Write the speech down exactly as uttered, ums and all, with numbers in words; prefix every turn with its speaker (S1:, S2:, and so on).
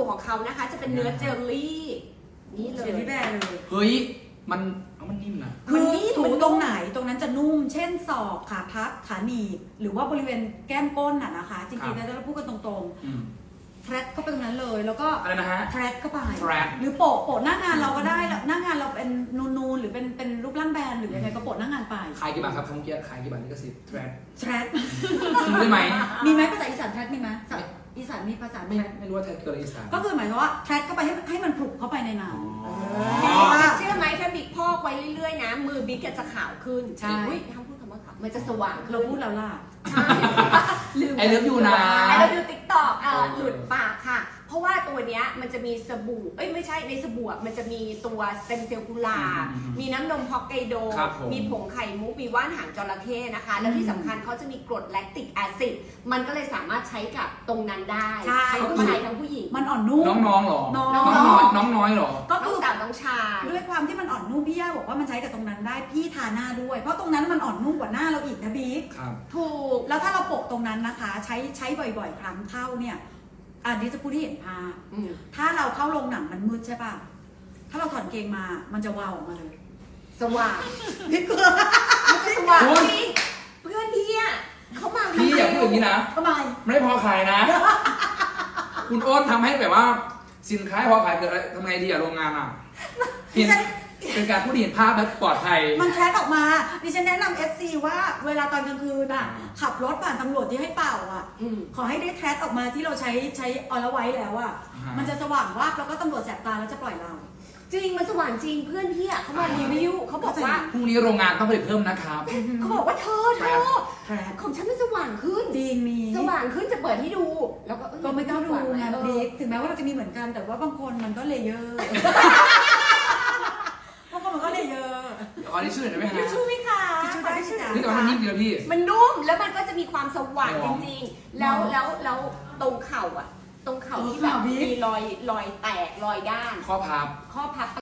S1: ตัวของเขานะคะจะเป็นเนื้อเจลลี่นี่เลย
S2: เจลลี่แบร์เลย
S3: เฮ้ยมันเอามันนิ่มนะ
S2: คือถูตรงไหนตรงนั้นจะนุ่ม เช่นศอกขาพับขาหนีบหรือว่าบริเวณแก้มก้นน่ะนะคะจริงๆแล้วเราพูดกันตรงๆแทร็กเข้าไปตรงนั้นเลยแล้วก็
S3: อะไรนะฮะ
S2: แทร็กเข้าไป
S3: thread
S2: หรือโปะโปะหน้างานเราก็ได้หน้างานเราเป็นนูนๆหรือเป็นเป็นรูปร่างแบนหรือยังไงก็โปะหน้างานไป
S3: ขายกี่บาทครับคำเมื่อกี้ขายกี่บาทลิขสิทธิ์แทร็ก
S2: แทร็ก
S3: ซื้อได้ไหม
S2: มีไหมภาษาอีสานแทร็กมีไหมภาษาอีสานมีภาษา
S3: ไม่
S2: แทร็ก
S3: ไม่รู้ว่าแทร็กคืออะไรอีสาน
S2: ก็คือหมายความว่าแทร็กเข้าไปให้ให้มันผลุกเข้าไปในน้ำ
S3: อ๋อ
S2: เออ
S1: เชื่อไหมถ้าบิ๊กพอกไว้เรื่อยๆนะมือบิ๊กจะขาวขึ้น
S2: ใช่
S1: อุ๊ยห้ามพูดคำว่าขาวมันจะสว่างขึ้น
S2: เราพูดแล้วล่ะ
S1: ใช่ลืม
S3: ไอเลิฟยูนะ
S1: ไอเลิฟยูติ๊กตอกหลุดปากค่ะ เพราะว่าตัวเนี้ยมันจะมีสบู่เอ้ยไม่ใช่ในสบู่อะมันจะมีตัวสเต็มเซลล์กุหลาบ
S3: อืม
S1: มีน้ำนมฮอกไกโด
S3: ครับผม
S1: มีผงไข่มุกมีว่านหางจระเข้นะคะ แล้วที่สำคัญเขาจะมีกรดแลคติกแอซิดมันก็เลยสามารถใช้กับตรงนั้นได้
S2: ใช่
S1: ทั้งผู้ชายทั้งผู้หญิง
S2: มันอ่อนนุ่ม
S3: น้องๆหรอ
S2: น้อง
S3: น้องน้อยน้องน้อยหรอ
S2: ก็
S1: น้
S2: คือ อง
S1: สาวน้องชาย
S2: ด้วยความที่มันอ่อนนุ่มพี่ย่าบอกว่ามันใช้กับตรงนั้นได้พี่ทาหน้าด้วย เพราะตรงนั้นมันอ่อนนุ่มกว่าหน้าเราอีกนะบิ๊ก
S3: ครับ
S1: ถูก
S2: แล้วถ้าเราโปะตรงนั้นนะคะ ใช้ใช้บ่อยๆ ครั้งเข้าเนี่ยอันนี้จะพูดให้เห็นภาพ
S1: อืม
S2: ถ้าเราเข้าโรงหนังมันมืดใช่ป่ะถ้าเราถอดเกงมามันจะวาวออกมาเลย
S1: สว่าง
S2: พี่เกลือ
S1: มันจะสว่าง
S3: คุณ
S1: จริงเพื่อนพี่อะเขามา
S3: พี่อย่าพูดอย่างนี้นะ
S2: ทำไม
S3: ไม่ได้พอขายนะ คุณโอ๊ตทำให้แบบว่าสินค้าพอขายเกิดอะไรทำไงดีอะโรงงานอะเห็นเป็นการพูดเห็นภาพและปลอดภัย
S2: มันแคสออกมาดิฉันแนะนำ เอฟ ซี ว่าเวลาตอนกลางคืนอ่ะขับรถผ่านตำรวจที่ให้เป่าอ่ะ
S1: อืม
S2: ขอให้ได้แคสออกมาที่เราใช้ใช้ออลไวท์แล้วอ่ะ
S3: อ่าฮะ
S2: มันจะสว่างวาบแล้วก็ตำรวจแสบตาแล้วจะปล่อยเรา
S1: จริงมันสว่างจริงเพื่อนพี่อะเขามารีวิวเขาบอกว่า
S3: พรุ่งนี้โรงงานต้องผลิตเพิ่มนะครับ
S1: เขาบอกว่าเธอเธอ
S2: แทร็ก
S1: ของฉันมันสว่างขึ้น
S2: จริงมี
S1: สว่างขึ้นจะเปิดให้ดู แล้วก็เอ้ย
S2: ก็ไม่กล้าดูไง
S1: เออ
S2: บิ๊กถึงแม้ว่าเราจะมีเหมือนกันแต่ว่าบางคนมันก็เลเยอร์ บางคนมันก็เลเยอร์
S3: เดี๋ยวขอที่ชื่อหน่อยได้ไหม
S1: ทิช
S3: ฮะ
S1: ชู่ไหมคะ
S2: ทิชชู่ได้
S1: ขอทิชชู่
S2: จ้ะ
S3: นี่แต่ว่ามันนิ่มดีนะพี่
S1: มันนุ่มแล้วมันก็จะมีความสว่าง
S3: ห
S1: จ
S3: อม
S1: ริงๆ แล้วแล้วแล้วตรงเข่าอะตรงเข่าที่แบบ
S2: ตรงเข่าบิ๊ก
S1: มีรอยรอยแตกรอยด้าน
S3: ข้อพับ
S1: ข้อพับ